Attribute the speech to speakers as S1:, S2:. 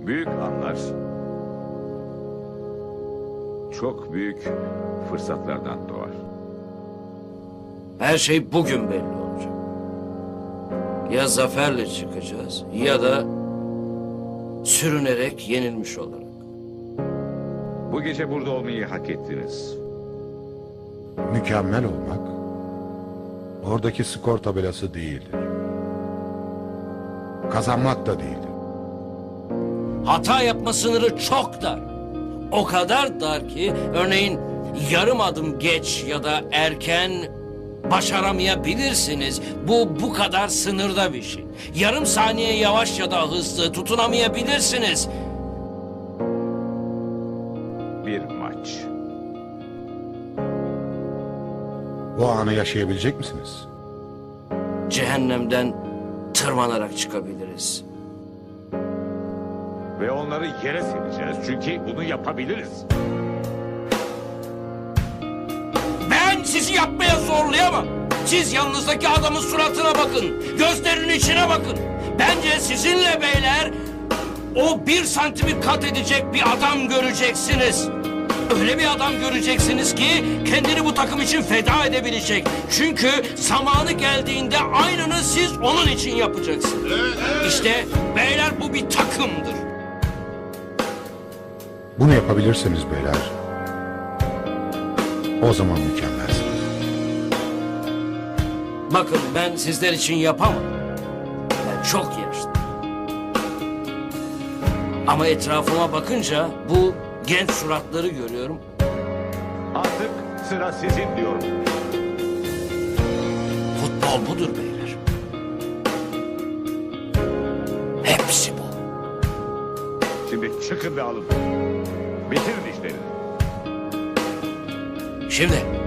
S1: Büyük anlar çok büyük fırsatlardan doğar.
S2: Her şey bugün belli olacak. Ya zaferle çıkacağız ya da sürünerek yenilmiş olarak.
S1: Bu gece burada olmayı hak ettiniz.
S3: Mükemmel olmak oradaki skor tabelası değildir. Kazanmak da değildir.
S2: Hata yapma sınırı çok dar. O kadar dar ki örneğin yarım adım geç ya da erken başaramayabilirsiniz. Bu kadar sınırda bir şey. Yarım saniye yavaş ya da hızlı tutunamayabilirsiniz.
S1: Bir maç.
S3: Bu anı yaşayabilecek misiniz?
S2: Cehennemden tırmanarak çıkabiliriz.
S1: Ve onları yere sereceğiz çünkü bunu yapabiliriz.
S2: Ben sizi yapmaya zorlayamam. Siz yanınızdaki adamın suratına bakın. Gözlerinin içine bakın. Bence sizinle beyler o 1 santimi kat edecek bir adam göreceksiniz. Öyle bir adam göreceksiniz ki kendini bu takım için feda edebilecek. Çünkü zamanı geldiğinde aynını siz onun için yapacaksınız. İşte beyler bu bir takımdır.
S3: Bunu yapabilirseniz beyler, o zaman mükemmelsiniz.
S2: Bakın ben sizler için yapamam. Ben çok yaşlıyım. Ama etrafıma bakınca bu genç suratları görüyorum.
S1: Artık sıra sizin diyorum.
S2: Futbol budur beyler. Hepsi bu.
S1: Şimdi çıkın ve alın. Bitirin işlerini.
S2: Şimdi